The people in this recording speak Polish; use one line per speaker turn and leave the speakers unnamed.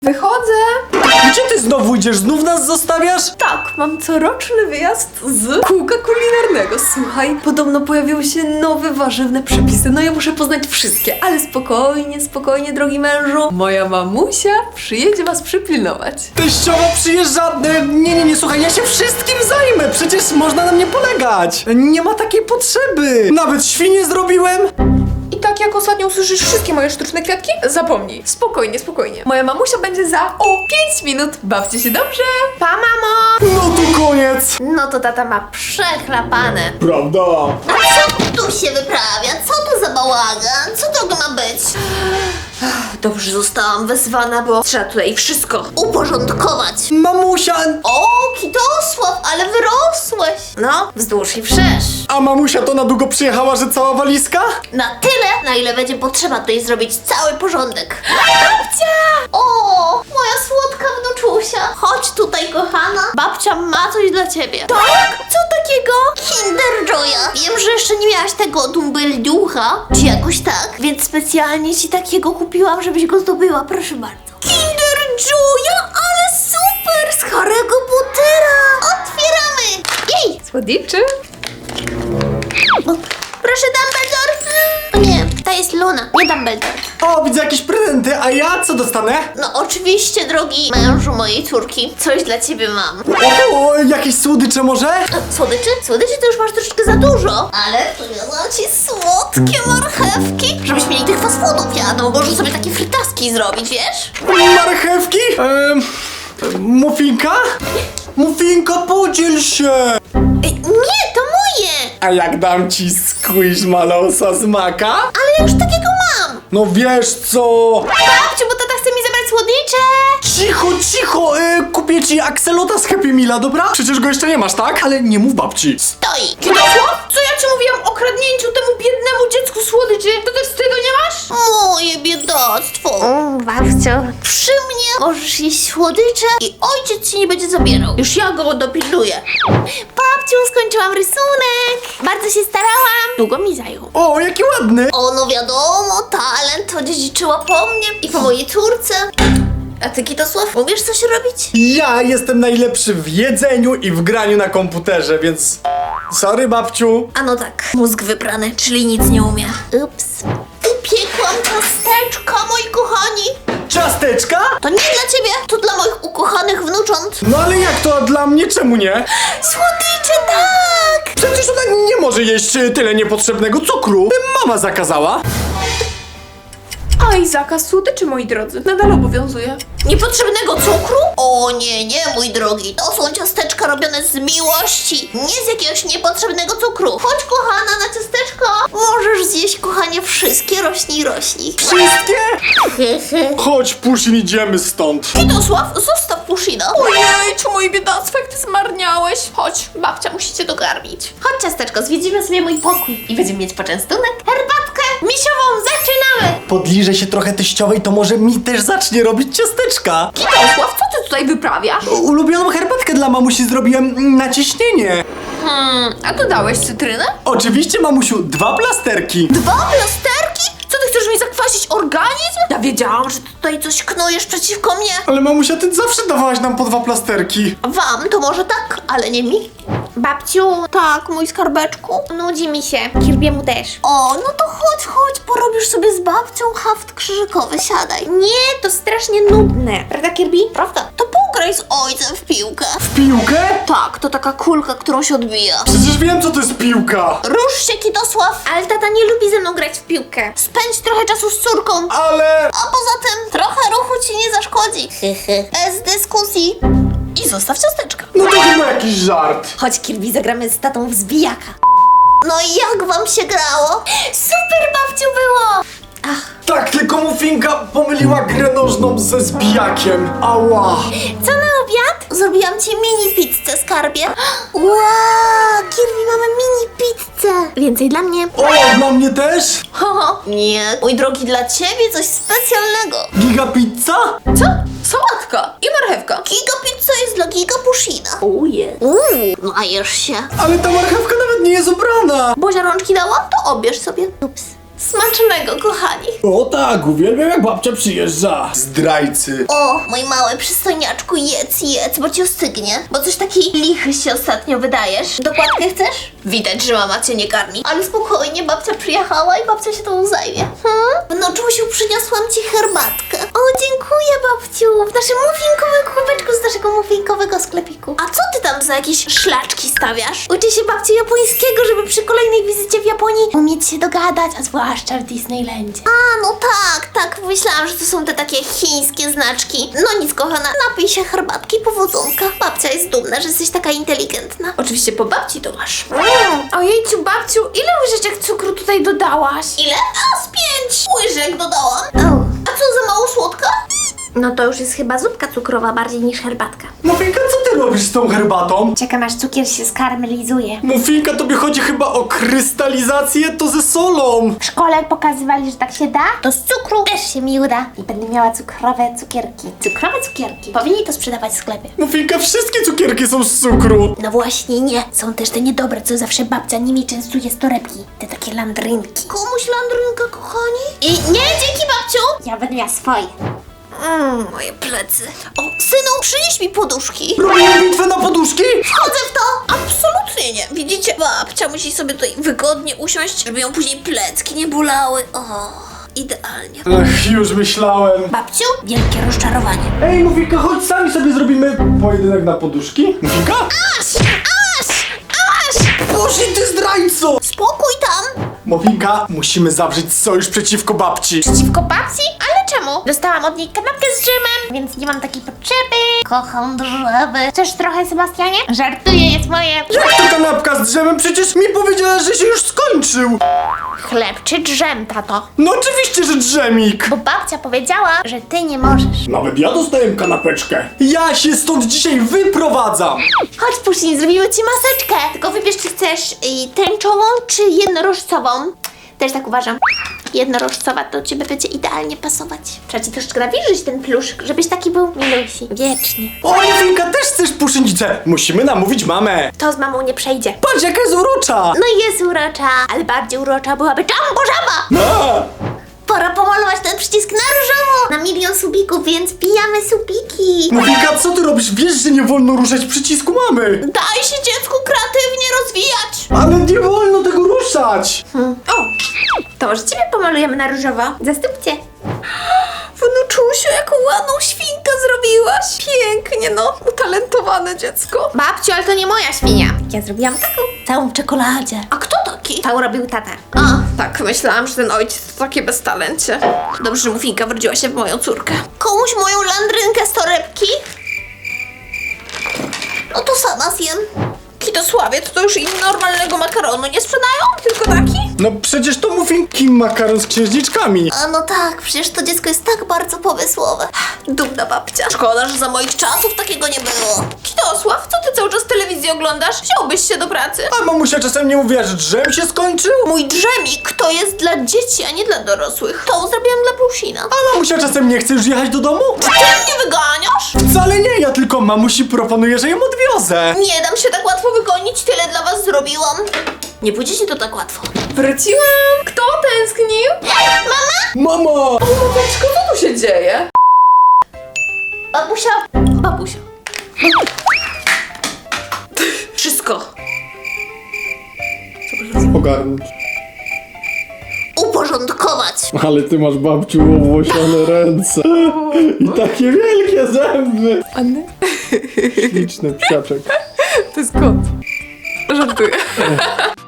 Wychodzę.
Gdzie ty znowu idziesz? Znów nas zostawiasz?
Tak, mam coroczny wyjazd z kółka kulinarnego. Słuchaj, podobno pojawiły się nowe warzywne przepisy. No ja muszę poznać wszystkie, ale spokojnie, spokojnie, drogi mężu. Moja mamusia przyjedzie was przypilnować.
Teściowa przyjeżdża... Nie, słuchaj, ja się wszystkim zajmę. Przecież można na mnie polegać. Nie ma takiej potrzeby. Nawet świnie zrobiłem.
I tak jak ostatnio usłyszysz wszystkie moje sztuczne kwiatki, zapomnij. Spokojnie, spokojnie. Moja mamusia będzie za 5 minut. Bawcie się dobrze. Pa, mamo!
No to koniec.
No to tata ma przechlapane.
Prawda.
Co tu się wyprawia? Co to za bałagan? Co to ma być?
Dobrze, zostałam wezwana, bo trzeba tutaj wszystko
Uporządkować.
Mamusia...
O, Kitosław, ale wyrosłeś.
No, wzdłuż i wszerz.
A mamusia to na długo przyjechała, że cała walizka?
Na tyle, na ile będzie potrzeba tutaj zrobić cały porządek. Babcia! O, moja słodka wnuczusia. Chodź tutaj, kochana. Babcia ma coś dla ciebie. Tak? Co takiego? Kinder Joya. Wiem, że jeszcze nie miałaś tego dumbelducha, czy jakoś tak, więc specjalnie ci takiego kupiłam, żebyś go zdobyła. Proszę bardzo. Kinder Joya, ale super! Z Harry'ego Pottera. Otwieramy. Jej!
Słodyczy?
O, proszę, Dumbledore. O nie, to jest Luna, nie Dumbledore.
O, widzę jakieś prezenty, a ja co dostanę?
No oczywiście, drogi mężu mojej córki, coś dla ciebie mam.
O, jakieś słodycze może?
Słodyczy? Słodyczy to już masz troszeczkę za dużo. Ale przywiozłam ci słodkie marchewki, żebyś mieli tych fast foodów jadą. Możesz sobie takie frytaski zrobić, wiesz?
Marchewki? Muffinka? Muffinka, podziel się!
Nie, to moje!
A jak dam ci squishmalosa z maka?
Ale ja już takiego mam.
No wiesz co?
Babciu, bo tata chce mi zabrać słodycze.
Cicho, kupię ci akselota z Happy Meala, dobra? Przecież go jeszcze nie masz, tak? Ale nie mów babci.
Stoi.
Kitosław? Co ja ci mówiłam o kradnięciu temu biednemu dziecku słodyczy? To też wstydu nie masz?
Moje biedactwo.
Babcio.
Przy mnie możesz jeść słodycze i ojciec ci nie będzie zabierał. Już ja go dopilnuję. Babciu, skończyłam rysunek. Bardzo się starałam. Długo mi zajął.
O, jaki ładny!
O, no wiadomo, talent odziedziczyła po mnie i po mojej córce. A ty, Kitosław, umiesz coś robić?
Ja jestem najlepszy w jedzeniu i w graniu na komputerze, więc... Sorry, babciu.
A no tak, mózg wyprany, czyli nic nie umie. Ups. Upiekłam ciasteczka, moi kochani.
Ciasteczka?
To nie dla ciebie, to dla moich ukochanych wnucząt.
No ale jak to, a dla mnie czemu nie?
Słodycze, tak!
Przecież ona nie może jeść tyle niepotrzebnego cukru. Mama zakazała.
A i zakaz słodyczy, moi drodzy, nadal obowiązuje.
Niepotrzebnego cukru? O nie, mój drogi. To są ciasteczka robione z miłości. Nie z jakiegoś niepotrzebnego cukru. Chodź, kochana, na ciasteczko. Możesz zjeść, kochanie, wszystkie, rośnij.
Wszystkie? Chodź, Pusin, idziemy stąd.
Kitosław, zostaw Pushina.
Ojejciu, mój biedactwo, jak ty zmarniałeś. Chodź, babcia musi cię dokarmić.
Chodź, ciasteczko, zwiedzimy sobie mój pokój i będziemy mieć poczęstunek, herbatkę misiową. Zaczynamy!
Podliżę się trochę teściowej, to może mi też zacznie robić ciasteczka.
Kitosław, co ty tutaj wyprawiasz?
Ulubioną herbatkę dla mamusi zrobiłem na ciśnienie.
A dodałeś cytrynę?
Oczywiście, mamusiu, 2 plasterki.
2 plasterki? Co ty chcesz mi zakwasić organizm? Ja wiedziałam, że ty tutaj coś knujesz przeciwko mnie.
Ale mamusia, ty zawsze dawałaś nam po 2 plasterki.
Wam to może tak, ale nie mi. Babciu. Tak, mój skarbeczku. Nudzi mi się. Kirbiemu też. O, no to chodź, porobisz sobie z babcią haft krzyżykowy, siadaj. Nie, to strasznie nudne. Prawda, Kirby? Prawda. To pograj z ojcem w piłkę.
W piłkę?
Tak, to taka kulka, którą się odbija.
Przecież wiem, co to jest piłka.
Rusz się, Kitosław. Ale tata nie lubi ze mną grać w piłkę. Spędź trochę czasu z córką.
Ale...
A poza tym trochę ruchu ci nie zaszkodzi. Bez dyskusji. I zostaw ciasteczka.
No to chyba jakiś żart.
Chodź, Kirby, zagramy z tatą w zbijaka. No i jak wam się grało? Super, babciu, było!
Tak, tylko Muffinka pomyliła grę nożną ze zbijakiem. Ała.
Co na obiad? Zrobiłam ci mini pizzę, skarbie. Wow, Kirby, mamy mini pizzę. Więcej dla mnie.
O, dla mnie też?
Nie, mój drogi, dla ciebie coś specjalnego.
Giga pizza?
Co? Sałatka i marchewka.
Giga pizza jest dla Giga Pushina.
Uje.
Najesz się.
Ale ta marchewka nawet nie jest ubrana.
Bozia rączki dała? To obierz sobie. Ups. Smacznego, kochani.
O tak, uwielbiam jak babcia przyjeżdża. Zdrajcy.
O, mój mały przystojniaczku, jedz, bo ci ostygnie. Bo coś taki lichy się ostatnio wydajesz. Dokładkę chcesz? Widać, że mama cię nie karmi. Ale spokojnie, babcia przyjechała i babcia się tą zajmie. Wnuczusiu, przyniosłam ci herbatkę. O, dziękuję, babciu. W naszym muffinkowym kubeczku z naszego muffinkowego sklepiku. A co ty tam za jakieś szlaczki stawiasz? Uczy się babci japońskiego, żeby przy kolejnej wizycie w Japonii umieć się dogadać, a zwłaszcza w Disneylandzie. A, no tak. Myślałam, że to są te takie chińskie znaczki. No nic, kochana, napij się herbatki, powodzonka. Babcia jest dumna, że jesteś taka inteligentna. Oczywiście po babci to masz.
Ojejciu, babciu, ile łyżeczek cukru tutaj dodałaś?
Ile? A, z 5 łyżek dodałam. A co, za mało słodka?
No to już jest chyba zupka cukrowa bardziej niż herbatka.
Mufinka, co ty robisz z tą herbatą?
Czekam aż cukier się skarmelizuje.
Mufinka, tobie chodzi chyba o krystalizację, to ze solą.
W szkole pokazywali, że tak się da, to z cukru też się mi uda. I będę miała cukrowe cukierki. Cukrowe cukierki. Powinni to sprzedawać w sklepie.
Mufinka, wszystkie cukierki są z cukru.
No właśnie nie. Są też te niedobre, co zawsze babcia nimi częstuje z torebki. Te takie landrynki.
Komuś landrynka, kochani? I nie, dzięki, babciu.
Ja będę miała swoje.
Moje plecy. O, synu, przynieś mi poduszki.
Robimy bitwę na poduszki?
Wchodzę w to! Absolutnie nie. Widzicie, babcia musi sobie tutaj wygodnie usiąść, żeby ją później plecki nie bolały. O, idealnie.
Ach, już myślałem.
Babciu, wielkie rozczarowanie.
Ej, Mufinka, chodź, sami sobie zrobimy pojedynek na poduszki. Mufinka?
Aż!
Boże, ty zdrajco!
Spokój tam!
Mufinka, musimy zawrzeć sojusz przeciwko babci.
Przeciwko babci? Ale czemu? Dostałam od niej kanapkę z dżemem, więc nie mam takiej potrzeby. Kocham drzewy. Chcesz trochę, Sebastianie? Żartuję, jest moje.
Jak to kanapka z drzemem? Przecież mi powiedziała, że się już skończył.
Chleb czy drzem, tato?
No oczywiście, że drzemik.
Bo babcia powiedziała, że ty nie możesz.
Nawet ja dostałem kanapeczkę. Ja się stąd dzisiaj wyprowadzam.
Chodź, Puszyn, zrobimy ci maseczkę. Tylko wybierz, czy chcesz tęczową, czy jednorożcową. Też tak uważam. Jednorożcowa to ciebie będzie idealnie pasować. Trzeba ci troszeczkę nawilżyć ten pluszek, żebyś taki był milusi. Wiecznie.
O, Mufinka, też chcesz puszynicę? Musimy namówić mamę.
To z mamą nie przejdzie.
Patrz, jaka jest urocza.
No jest urocza, ale bardziej urocza byłaby Jumbo Żaba.
No.
Pora pomalować ten przycisk na różowo. Na 1 000 000 subików, więc pijamy subiki.
Mufinka, co ty robisz? Wiesz, że nie wolno ruszać przycisku mamy.
Daj się dziecku kreatywnie rozwijać.
Ale nie wolno tego ruszać.
O, to może ciebie pomalujemy na różowo. Zastupcie.
Wnuczusiu, jaką ładną świnkę zrobiłaś. Pięknie, no. Utalentowane dziecko.
Babciu, ale to nie moja świnia. Ja zrobiłam taką, całą w czekoladzie.
A kto taki?
Tą robił tata.
A, tak, myślałam, że ten ojciec to takie beztalencie. Dobrze, że Mufinka wrodziła się w moją córkę.
Komuś moją landrynkę z torebki? No to sama zjem.
Kitosławie, to już i normalnego makaronu nie sprzedają? Tylko taki?
No przecież to Mufinki makaron z księżniczkami.
A no tak, przecież to dziecko jest tak bardzo pomysłowe.
Dumna babcia. Szkoda, że za moich czasów takiego nie było. Kitosław, co ty cały czas telewizję oglądasz? Wziąłbyś się do pracy?
A mamusia czasem nie mówiła, że drzem się skończył?
Mój drzemik to jest dla dzieci, a nie dla dorosłych. To zrobiłam dla Plusina.
A mamusia czasem nie chce już jechać do domu?
Ty mnie wyganiasz?
Wcale nie, ja tylko mamusi proponuję, że ją odwiozę.
Nie dam się tak łatwo wygonić, tyle dla was zrobiłam. Nie pójdziecie to tak łatwo.
Wróciłam. Kto tęsknił?
Mama!
Babeczko, co tu się dzieje?
Babusia,
Babusia. Wszystko.
Ogarnąć.
uporządkować.
Ale ty masz, babciu, owłosione ręce. I takie wielkie zęby.
Anny?
Śliczny psiaczek.
To jest kot. Żartuję.